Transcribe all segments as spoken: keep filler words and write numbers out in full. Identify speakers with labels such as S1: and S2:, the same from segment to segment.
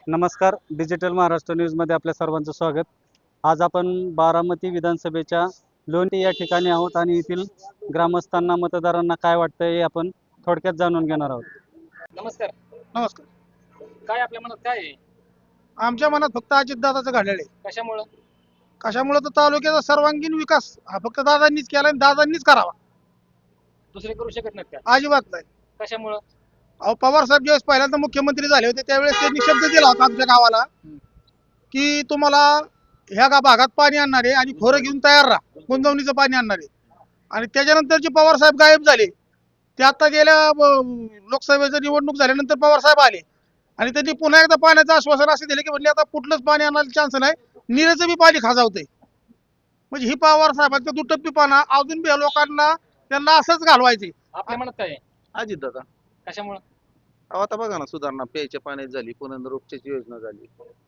S1: नमस्कार. डिजिटल महाराष्ट्र न्यूजमध्ये आपल्या सर्वांचं स्वागत. आज आपण बारामती विधानसभेच्या लोणी या ठिकाणी आहोत आणि येथील ग्रामस्थांना मतदारांना काय वाटतंय हे आपण थोडक्यात जाणून घेणार आहोत.
S2: नमस्कार.
S3: नमस्कार.
S2: काय आपल्या मनात काय आहे?
S3: आमच्या मनात फक्त अजितदादाचं घडलेलं आहे.
S2: कशामुळं?
S3: कशामुळे तर तालुक्याचा सर्वांगीण विकास हा फक्त दादांनीच केला आणि दादांनीच करावा,
S2: दुसरे करू शकत नाहीत का?
S3: अजिबात नाही.
S2: कशामुळं?
S3: अहो, पवार साहेब ज्यावेळेस पहिल्यांदा मुख्यमंत्री झाले होते त्यावेळेस त्यांनी शब्द दिला होता आमच्या गावाला की तुम्हाला ह्या गा भागात पाणी आणणार आहे आणि खोरं घेऊन तयार राहा, गुंतवणीचं पाणी आणणार आहे. आणि त्याच्यानंतर जे पवार साहेब गायब झाले ते आता गेल्या अं, लोकसभेची निवडणूक झाल्यानंतर पवार साहेब आले आणि त्यांनी पुन्हा एकदा पाण्याचं आश्वासन असे दिले की म्हणजे आता कुठलंच पाणी आणायला चान्स नाही, निरेचं बी पाणी खाजावतंय. म्हणजे ही पवार साहेबांचं दुटप्पीपणा अजून बी लोकांना त्यांना असंच घालवायचे.
S2: आपल्या मनात काय आहे?
S4: अजित दादा.
S2: कशामुळं?
S4: अहो आता बघा ना, सुधारणा प्यायच्या पाण्यात झाली, पुनर्वसनाची योजना झाली,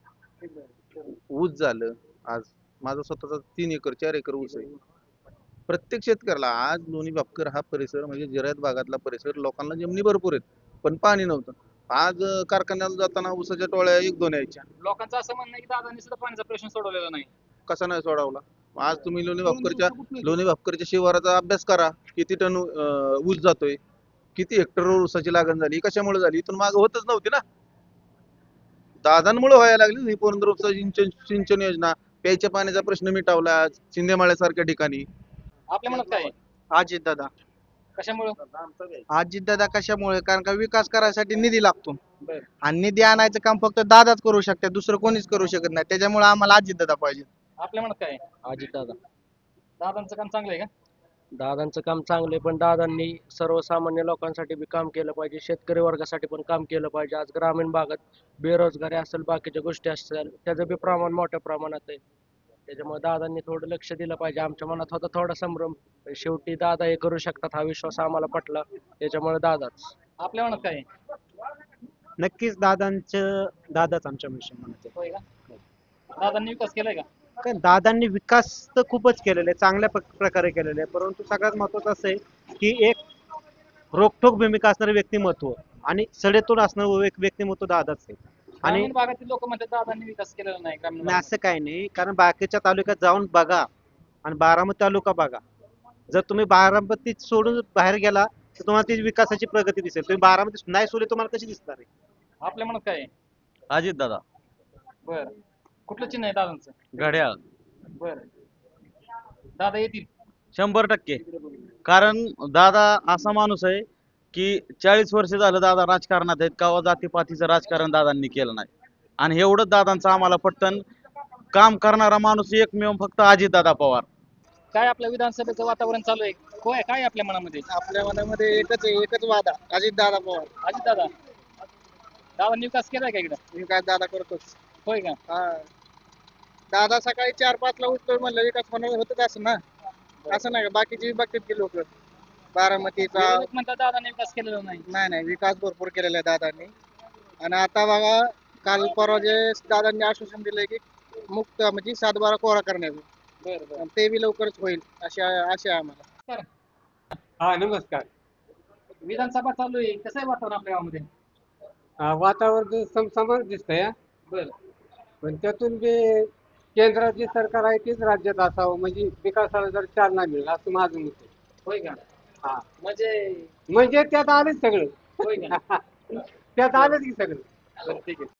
S4: ऊस झालं. आज माझा स्वतःचा तीन एकर चार एकर ऊस आहे. प्रत्येक शेतकऱ्याला आज लोणी बापकर हा परिसर म्हणजे जिरायत भागातला परिसर लोकांना जमिनी भरपूर आहेत पण पाणी नव्हतं. आज अं, कारखान्याला जाताना ऊसाच्या टोळ्या एक दोन यायच्या.
S2: लोकांचं असं म्हणणं आहे की दादांनी सुद्धा पाण्याचा प्रश्न सोडवलेला नाही.
S4: कसा नाही सोडवला? आज तुम्ही लोणी बापकरच्या लोणी बापकरच्या शिवाराचा अभ्यास करा. किती टन अं, ऊस जातोय, किती हेक्टरवर ऊसाची लागण झाली, कशामुळे झाली? इथून मागे होतच नव्हती ना. दादांमुळे व्हायला लागली ही पुनर्वसन सिंचन सिंचन योजना. प्यायच्या पाण्याचा प्रश्न मिटावला शिंदेमाळ्यासारख्या ठिकाणी.
S2: आपल्या मनात काय आहे?
S5: अजित दादा.
S2: कशामुळं?
S5: अजित दादा कशामुळे? कारण का विकास करायसाठी निधी लागतो
S2: बरं.
S5: आणि निधी आणायचं काम फक्त दादाच करू शकते, दुसरं कोणीच करू शकत नाही. त्याच्यामुळे आम्हाला अजित दादा पाहिजे.
S2: आपल्या मनात काय आहे?
S6: अजित दादा.
S2: दादांचं काम चांगलं आहे का?
S6: दादांचं काम चांगलं आहे पण दादांनी सर्वसामान्य लोकांसाठी बी काम केलं पाहिजे, शेतकरी वर्गासाठी पण काम केलं पाहिजे. आज ग्रामीण भागात बेरोजगारी असेल, बाकीच्या गोष्टी असतील, त्याचं बी प्रमाण मोठ्या प्रमाणात आहे. त्याच्यामुळे दादांनी थोडं लक्ष दिलं पाहिजे. आमच्या मनात होता थोडा संभ्रम, पण शेवटी दादा हे करू शकतात हा विश्वास आम्हाला पटला, त्याच्यामुळे दादाच.
S2: आपल्या मनात काय आहे?
S1: नक्कीच दादांचं दादाच आमच्या मनात
S2: होय का? दादांनी विकास केलाय का?
S1: आहे. दादांनी विकास तर खूपच केलेला आहे, चांगल्या प्र- प्रकारे केलेला आहे. परंतु सगळ्यात महत्वाचं असं आहे की एक रोखठोक भूमिका असणारं व्यक्तिमत्व आणि सडेतोड असणारं एक व्यक्तिमत्व दादाच आहे. आणि
S2: ग्रामीण भागातील लोक म्हणतात दादांनी विकास केलेला नाही ग्रामीण
S1: नाही असं काही नाही, कारण बाकीच्या तालुक्यात जाऊन बघा आणि बारामती तालुका बघा. जर तुम्ही बारामती सोडून बाहेर गेला तर तुम्हाला ती विकासाची प्रगती दिसेल. तुम्ही बारामती नाही सोडली तुम्हाला कशी दिसणार आहे?
S2: भागात. आपल्या मनात काय आहे?
S6: अजित दादा.
S2: बर. कुठलं चिन्ह आहे दादांचं?
S6: घड्याळ.
S2: बर. दादा येतील.
S6: शंभर टक्के. कारण दादा असा माणूस आहे की चाळीस वर्ष झालं दादा राजकारणात आहेत, कवा जातीपातीचं राजकारण दादांनी केलं नाही. आणि एवढं दादांचं आम्हाला पटतं. काम करणारा माणूस एकमेव फक्त अजित दादा पवार.
S2: काय आपल्या विधानसभेचं वातावरण चालू आहे? होय, काय आहे आपल्या मनामध्ये?
S5: आपल्या मनामध्ये एकच आहे, एकच वादा, अजित दादा पवार.
S2: अजित दादा. दादांनी विकास केलाय का इकडं?
S5: विकास दादा करतोच.
S2: होय का?
S5: हा, दादा सकाळी चार पाच ला उठतो म्हणलं विकास होणार होतच असं ना. असं नाही का बाकीची बघतात की लोक बारामतीचा.
S2: विरोधक म्हणतात दादांनी विकास केलेला नाही.
S5: नाही नाही, विकास भरपूर केलेला आहे दादांनी. आणि आता बघा काल परवा जे दादांनी आश्वासन दिलंय की मुक्त म्हणजे सातबारा कोरा करण्याचं,
S2: बरं बरं.
S5: आणि ते बी लवकरच होईल अशी अशी आहे आम्हाला.
S7: हा नमस्कार.
S2: विधानसभा चालू आहे, कसं आहे वातावरण आपल्या गावामध्ये?
S7: अं, वातावरण समसमच दिसतंय,
S2: बरं.
S7: पण त्यातून जे केंद्रात जे सरकार आहे तेच राज्यात असावं म्हणजे विकासाला जर चालना मिळेल असं माझं मत आहे.
S2: होय का?
S7: हा,
S2: म्हणजे
S7: म्हणजे त्यात आलेच सगळं.
S2: होय का?
S7: त्यात आलंच की सगळं.
S2: बरं, ठीक आहे.